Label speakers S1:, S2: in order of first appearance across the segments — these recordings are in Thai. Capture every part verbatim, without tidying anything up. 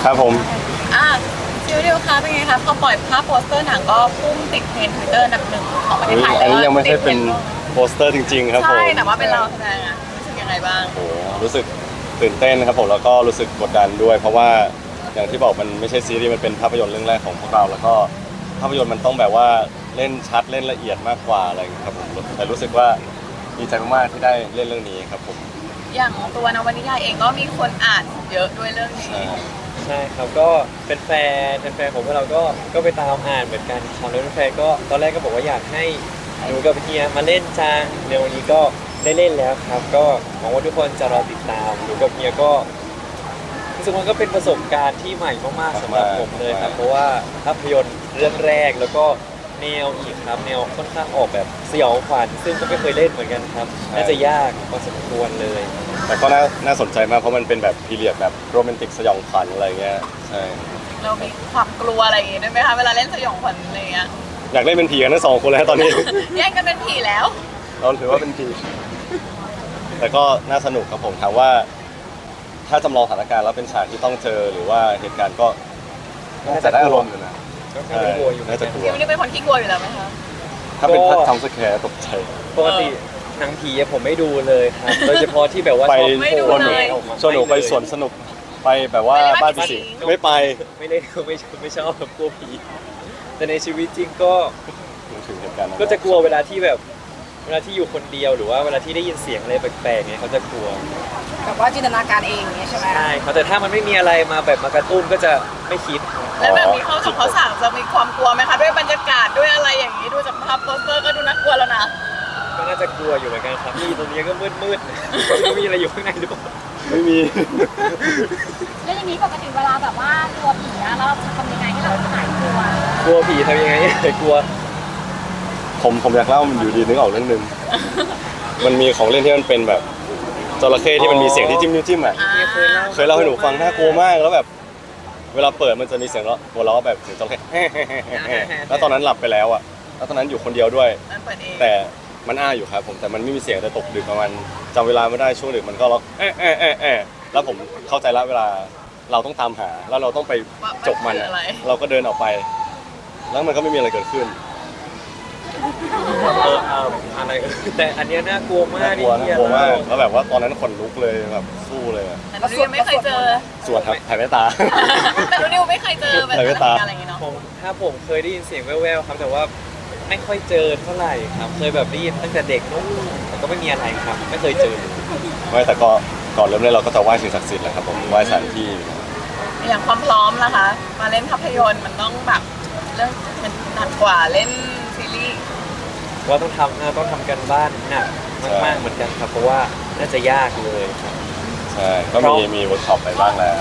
S1: ครับผม
S2: อ่ะซิวดิวคะเป็นไงคะพอปล่อยภาพโปสเตอร์หนังก็พุ่งติดเทรนด์ทวิตเตอร์อันดับหนึ่งของประเทศไทย
S1: อัน
S2: แล้ว
S1: นี้ยังไม่ใช่เป็น
S2: ติดทรด์
S1: โปสเตอร์จริงๆครับผม
S2: ใช่แต่ว่าเป็นเราแสดงอะรู้สึกยังไงบ้าง
S1: โอ้โหรู้สึกตื่นเต้นครับผมแล้วก็รู้สึกกดดันด้วย เพราะว่าอย่างที่บอกมันไม่ใช่ซีรีส์มันเป็นภาพยนตร์เรื่องแรกของพวกเรา แล้วก็ภาพยนตร์มันต้องแบบว่าเล่นชัดเล่นละเอียดมากกว่าอะไรอย่างเงี้ยครับผมแต่รู้สึกว่าดีใจมากๆที่ได้เล่นเรื่องนี้ครับผม
S2: อย่างตัวนวนิยายเองก็มีคนอ่านเยอะด้วยเรื่องนี้
S1: ใช่
S3: ใช่ครับก็เป็นแฟนเป็นแฟนของพวกเราก็ก็ไปตามอ่านเหมือนกันครับแล้วแฟนก็ตอนแรกก็บอกว่าอยากให้หนูกับเฮียมาเล่นจังในวันนี้ก็ได้เล่นแล้วครับก็หวังว่าทุกคนจะรอติดตามหนูกับเฮียก็รู้สึกว่าก็เป็นประสบการณ์ที่ใหม่มากๆสำหรับผมเลยครับเพราะว่าภาพยนตร์เรื่องแรกแล้วก็แนวอีกครับแนวค่อนข้างออกแบบสยองขวัญซึ่งก็ไม่เคยเล่นเหมือนกันครับน่าจะยากพอสมควรเลย
S1: แต่ก็น่าน่าสนใจมากเพราะมันเป็นแบบพีเรียดแบบโรแมนติกสยองขวัญอะไรเงี้ยใช่
S2: เรามีความกลัวอะไรอย่างงี้ด้วยไหมคะเวลาเล่นสยองขวัญอะไรอย่างเงี้ย
S1: อยากเล่นเป็นผีกันทั้งสองคนแล้วตอนนี้
S2: แย่งกันเป็นผีแล้ว
S1: เราถือว่าเป็นผีแต่ก็น่าสนุกครับผมถามว่า ถ้าจำลองสถานการณ์แล้วเป็นฉากที่ต้องเจอหรือว่าเหตุการณ์ก็น่าจะได้อารมณ์อยู่นะ
S3: ก็น่าจะกลัวอยู่เหมื
S1: น่า
S3: อน
S1: จะ
S3: กัน
S1: กลัว
S2: ซิวนี่เป็นคนขี้กลัวอยู่แล้วไหมคะ
S1: ถ้าเป็นพัดทำสแคร์ตกใจ
S3: ปกติหนังผีอะผมไม่ดูเลยครับ โดยเฉพาะที่แบบว่า
S1: ไป
S3: ชอบ
S2: ไม่ดู
S1: ชวนหนู
S2: เลย
S1: ชวนหนูไปสวนสนุกไปแบบว่าบ้านผีสิงไม่ไป
S3: ไม่ได้ไม่ชอบไม่ชอบแบบกลัวผีแต่ในชีวิตจริงก็
S1: ถึงเหตุการณ์นั้น
S3: ก็จะกลัวเวลาที่แบบเวลาที่อยู่คนเดียวหรือว่าเวลาที่ได้ยินเสียงอะไรแปลกๆเนี่ยเขาจะกลัว
S4: แบบว่าจินตนาการเองอย่างเงี้ยใช่ไหม
S3: ใช่ครับแต่ถ้ามันไม่มีอะไรมาแบบมากระตุ้นก็จะไม่คิด
S2: แล้วแบบนี้เข้าสองเขาสั่งจะมีความกลัวไหมคะด้วยบรรยากาศด้วยอะไรอย่างนี้ดูจากภาพโปสเตอร์ก็ดูน่ากลัวแล้วนะ
S3: ก็น่าจะกลัวอยู่เหมือนกันครับที่ตรงนี้ก็มืดๆไม่รู้มีอะไรอยู่ข้างในหรือเปล่า
S1: ไม่มี
S5: แล้วอย่างนี้ปกติเวลาแบบว่ากลัวผีอะเราจะทำยังไงให้เราหายกลัว
S3: กลัวผีทำยังไงให้กลัว
S1: ผมผมอยากเล่ามันอยู่ดีนึกออกเรื่องหนึง มันมีของเล่นที่มันเป็นแบบจระเข้ที่มันมีเสียงที่จิ้มนิ้วจิ้มอ่ะ
S2: อ่า
S1: เคยเล่าให้หนูฟังน่ากลัวมากแล้วแบบ เวลาเปิดมันจะมีเสียงหัวเราะแบบเสียงจระเข้ แล้วตอนนั้นหลับไปแล้วอ่ะแล้วตอนนั้นอยู่คนเดียวด้วย
S2: มันเปิดเอง
S1: แต่มันอ้าอยู่ครับผมแต่มันไม่มีเสียงแต่ตกดึกประมาณจำเวลาไม่ได้ช่วงดึกมันก็ร้องเอ๊ะเอ๊ะเอ๊ะเอ๊ะแล้วผมเข้าใจละเวลาเราต้องตามหาแล้วเราต้องไปจบมันอะเราก็เดินออกไป แล้วมันก็ไม่มีอะไรเกิดขึ้น
S3: เออเอาอะไรแต่อันเนี้ยน่ากลัวมาก
S1: น่ากลัว
S3: นี่
S1: น่ากลัวมากแล้วแบบว่าตอนนั้นขนลุกเลยแบบสู้เลยอะ
S2: แต่หนูยังไม่เคยเจอ
S1: สวดครับถ่ายแว่นตา
S2: แต่หนูนิวไม่เคยเจอแบบ
S1: ใส่แว่นตา
S2: อะไรอย่างงี้เนาะ
S3: ผมถ้าผมเคยได้ยินเสียงแว่วๆครับแต่ว่าไม่ค่อยเจอเท่าไหร่ครับเคยแบบได้ยินตั้งแต่เด็กนู้นแต่ก็ไม่มีอะไรครับ ไม่เคยเจอ
S1: ไม่แต่ก็ก่อนเริ่มเล่นเราก็จะไหว้สิ่งศักดิ์สิทธิ์แหละครับผมไหว้สถานที่
S2: อย่างความพร้อมนะคะ มาเล่นภาพยนตร์มันต้องแบบเรื่องมันหนักกว่าเล่นซีรีส์
S3: ว่าต้องทำนะต้องทำกันบ้านหนักมากๆเหมือนกันครับ เพราะว่าน่าจะยากเลยครับ
S1: ใช่ก็มีมีเวิร์กช็อปไปบ้างแล้ว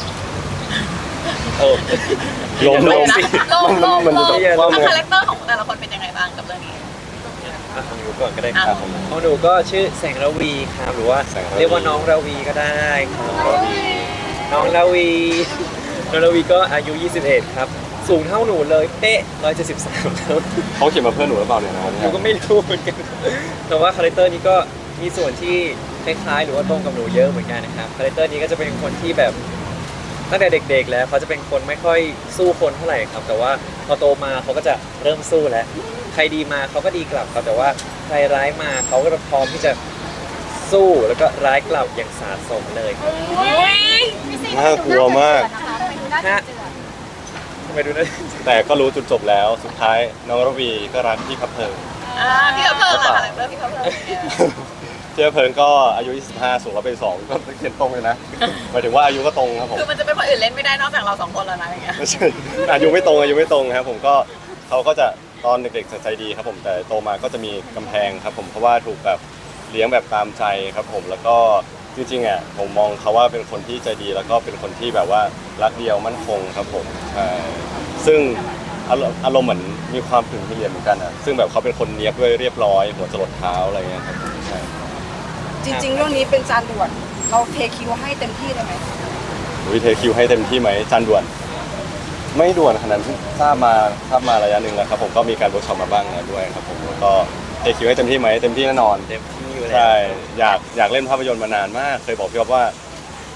S3: เออ
S1: ลมลม
S2: นะโลมโลม
S1: มัน
S2: โล
S1: จะ
S2: ม
S1: ต้องว่า
S2: อ่ะ
S1: มัน
S2: คาแรคเตอร์ของแต่ละคนเป็นยังไงบ้างกับเรื่องนี้
S3: อ่ะของหนูก่อนก็ได้ค
S2: อ่ะ
S3: รับของหนูก็ชื่อแสงระวีครับหรือว่า
S1: แสงระวี
S3: เรียกว่าน้องระวีก็ได้ครับน้องระวีน้องระวีก็อายุ ยี่สิบเอ็ด ครับสูงเท่าหนูเลยเป๊ะหนึ่งร้อยเจ็ดสิบสามครับ
S1: เขาเขียนมาเพื่อนหนูหรือเปล่าเนี่ยนะ
S3: หนูก็ไม่รู้เหมือนกัน แต่ว่าคาแรคเตอร์นี้ก็มีส่วนที่คล้ายๆหรือว่าตรงกับหนูเยอะเหมือนกันนะครับ คาแรคเตอร์นี้ก็จะเป็นคนที่แบบตั้งแต่เด็กๆแล้วเขาจะเป็นคนไม่ค่อยสู้คนเท่าไหร่ครับ แต่ว่าพอโตมาเขาก็จะเริ่มสู้แล้ว ใครดีมาเขาก็ดีกลับครับ แต่ว่าใครร้ายมาเขาก็พร้อมที่จะสู้แล้วก็ร้ายกลับอย่างสาสมเลยครับ
S2: อุ้ย
S1: น่ากลัวมาก
S5: ไปดูน่าจะเจือ
S3: ทำไมดูนะ
S1: แต่ก็รู้จุดจบแล้วสุดท้ายน้องระวีก็รักพี่พับเพลิง
S2: อ่าพี่เขาเพิ่มละคาแรคเตอร์พี่เขาเพิ่มเนี่ย
S1: เจ้าเพลิงก็อายุ ยี่สิบห้า สูงร้อยเป็นสองก็เขียนตรงเลยนะหมายถึงว่าอายุก็ตรงครับผม
S2: คือมันจะเป็นคนอื่นเล่นไม่ได้นอกจากเราสองคนแล้วนะอย่างเงี้ย
S1: ไม่ใช่อายุไม่ตรงอายุไม่ตรงครับผมก็เขาก็จะตอนเด็กๆจะใจดีครับผมแต่โตมาก็จะมีกำแพงครับผมเพราะว่าถูกแบบเลี้ยงแบบตามใจครับผมแล้วก็จริงๆอ่ะผมมองเขาว่าเป็นคนที่ใจดีแล้วก็เป็นคนที่แบบว่ารักเดียวมั่นคงครับผมใช่ซึ่งอารมณ์อารมณ์เหมือนมีความถึงที่เรียนเหมือนกันอ่ะซึ่งแบบเขาเป็นคนเนียบด้วยเรียบร้อยหัวจรดเท้าอะไรเงี้ยครับผมใช่
S4: จริง ๆ เรื่องนี้เป็นจานด่วน เราเทคิวให้เต็มที่เลยไหม
S1: วิเทคิวให้เต็มที่ไหมจานด่วน ไม่ด่วนขนาดนั้นทราบมาทราบมาระยะหนึ่งแล้วครับผมก็มีการเวิร์กช็อปมาบ้างแล้วด้วยครับผมแล้วก็เทคิวให้เต็มที่ไหมเต็มที่แน่นอน
S3: เต็มที่อยู่แล้ว
S1: ใช่อยากอยากเล่นภาพยนตร์มานานมาก เคยบอกพี่อ๊อฟว่า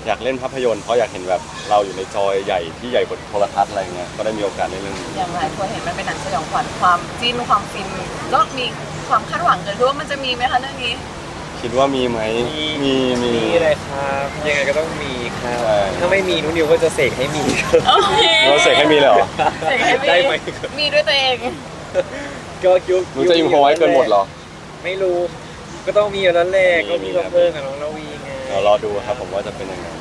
S1: อยากเล่นภาพยนตร์เพราะอยากเห็นแบบเราอยู่ในจอใหญ่ที่ใหญ่กว่าโทรทัศน์อะไรเงี้ยก็ได้มีโอกาสได้เล่นเรื่องนี้
S2: อย่างหลายคนเห็นมันเป็นหนังสยองขวัญความจิ้นความฟินก็มีความคาดหวังเกิดขึ้นว่ามันจะมีไหมคะเรื่องนี้
S1: คิดว่ามีไหมมีมี
S3: มีเลยครับยังไงก็ต้องมีครับ
S1: ใช่
S3: ถ้าไม่มีนุนิวก็จะเสกให้มีครับ
S2: โอเค
S1: เราเสกให้มีเลยเหรอ
S2: เสกให้มี
S3: ได้ไหม
S2: มีด้วยตัวเอง
S3: ก็ยุค
S1: หนูจะอิมพอไว้เกินหมดเหรอ
S3: ไม่รู้ ก็ต้องมีอยู่แล้วแหละ
S1: มี
S3: ก็มี
S1: มี
S3: มาเพิ่มกับน้องระวีไง
S1: เดี๋ยวรอดูครับผมว่าจะเป็นยังไง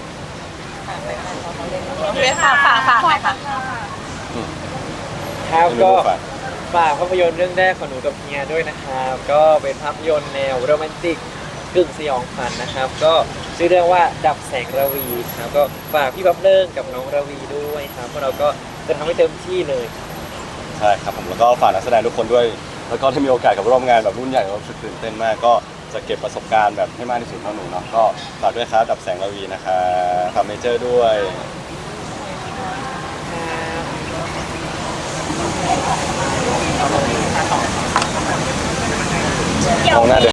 S2: เรียนฝากฝากฝากหน่อยค่ะ
S3: ครับ
S1: ไม่
S3: ก็
S1: รู้ฝาก
S3: ฝากภาพยนตร์เรื่องแรกของหนูกับเฮียด้วยนะครับ ก็เป็นภาพยนตร์แนวโรแมนติกกึ่งสยองขวัญนะครับ ก็ชื่อเรื่องว่าดับแสงระวีครับก็ฝากพี่บับเลิงกับน้องระวีด้วยครับพวกเราก็จะทำให้เต็มที่เลย
S1: ใช่ครับผมแล้วก็ฝากนักแสดงทุกคนด้วย แล้วก็ถ้ามีโอกาสกับร่วมงานแบบรุ่นใหญ่ก็รู้สึกตื่นเต้นมาก ก็จะเก็บประสบการณ์แบบให้มากที่สุดเท่าหนูเนาะก็ฝากด้วยครับดับแสงระวีนะครับฝากเมเจอร์ด้วย
S5: เกี่ยว
S1: มองหน้าเดิ